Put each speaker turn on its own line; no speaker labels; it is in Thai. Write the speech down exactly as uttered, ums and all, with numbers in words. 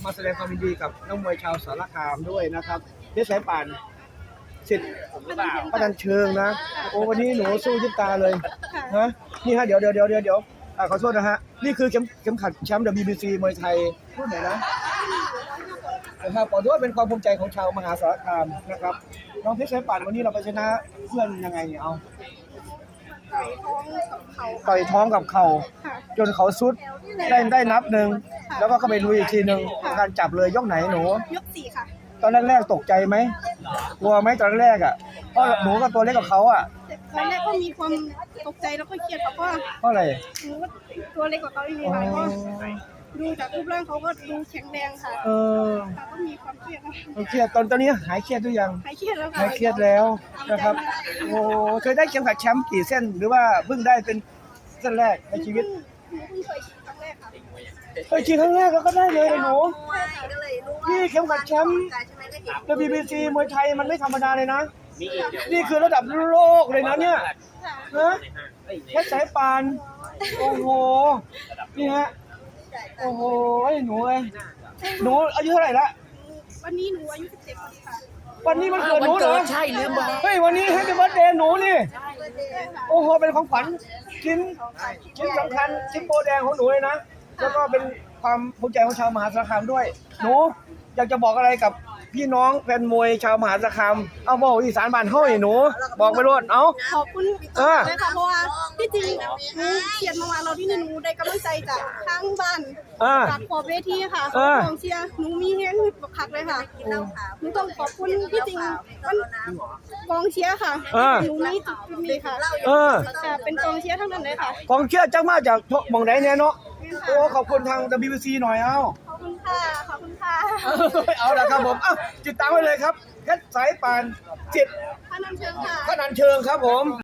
มาแสดงความยินดีกับนักมวยชาวสารคามด้วยนะครับเพชรสายป่านสิทธิ์ประจันเชิงนะโอ้วันนี้หนูสู้ยิบตาเลยฮะนี่ฮะเดี๋ยวเดี๋ยวเดี๋ยวเดี๋ยวเดี๋ยวขอโทษนะฮะนี่คือเข็มเข็มขัดแชมป์ ดับเบิลยู บี ซี มวยไทยรุ่นไหนนะนะครับขอถือว่าเป็นความภูมิใจของชาวมหาสารคามนะครับน้องเพชรสายป่านวันนี้เราไปชนะเพื่อนยังไงเนี่ยเอาต่อยท้องกับเข่าจนเขาสุดได้ได้นับหนึ่งแล้วก็เข้าไปลุยอีกทีหนึ่งการจับเลยยกไหนหนู
ยกสี่ค่ะ
ตอนแรกๆตกใจไหมกลัวไหมตอนแรกอ่ะเพราะหนูก็ตัวเล็กกว่าเขาอ่ะ
ตอนแรกก็มีความตกใจแล้วก็เครียดเพราะว่า
เพราะอะไร
หนูตัวเล็กกว่าเขาอีกนิดหน่อยก็ดูจากรูปร่างเขาก็ดูแข็งแรงค่ะ
เออ
แต่ก็มีความเครียดนะ
เครียดตอนตอนนี้หายเครียดหรือยัง
หายเครียดแล้วค่ะ
หายเครียดแล้วนะครับโอ้เคยได้เข็มขัดแชมป์กี่เส้นหรือว่าเพิ่งได้เป็นเส้นแรกในชีวิต
หนูเพิ่งเคยครั้งแรกค่ะ
เคยชิงครั้งแรกแล้วก็ได้เลยหนูนี่เข็มขัดแชมป์ ดับเบิลยู บี ซี มวยไทยมันไม่ธรรมดาเลยนะนี่คือระดับโลกเลยนะเนี่ยฮะเพชรสายป่านโอ้โหนี่ฮะโอ้โหหนูเลยหนูอายุเท่าไหร่ละ
วันนี้หนูอายุสิบเจ็ดปีค่ะ
วันนี้มันเกิดหนูเหรอ
ใช่ลืมบอก
เฮ้ยวันนี้ให้เป็นวันเดย์หนูนี่โอ้โหเป็นของขวัญชิ้นชิ้นสำคัญชิ้นโบแดงของหนูเลยนะแล้วก็เป็นความภูมิใจของชาวมหาสารคามด้วยหนูอยากจะบอกอะไรกับพี่น้องแฟนมวยชาวมหาสารคามเอาบอกอีสานบ้านเฮาให้หนูบอกไปรวดเอา
ขอบคุณเลยค่ะเพราะว่าที่จริงหนูเขียนมาเราที่นี่หนูได้กำลังใจจากทางบ้านจากขอบเวทีค่ะขอบคุณเชียร์หนูมีเงี้ยบักคักเลยค่ะหนูต้องขอบคุณที่จริงมันกองเชียร์ค่ะหนูมีจุดนี้ค่ะ
เออ
เป็นกองเชียร์ทั้งนั้นเลยค่ะ
กองเชียร์จังมาจากหม่องไหนเนี่ยเนาะโอ้ขอบคุณทาง ดับเบิลยู บี ซี หน่อยเอา
ขอบคุณค่ะขอบคุณค่ะ
เอาละครับผมเอ้าติดตามไว้เลยครับเพชรสายป่านจิต
พนันเชิงค่ะ
พนันเชิงครับผม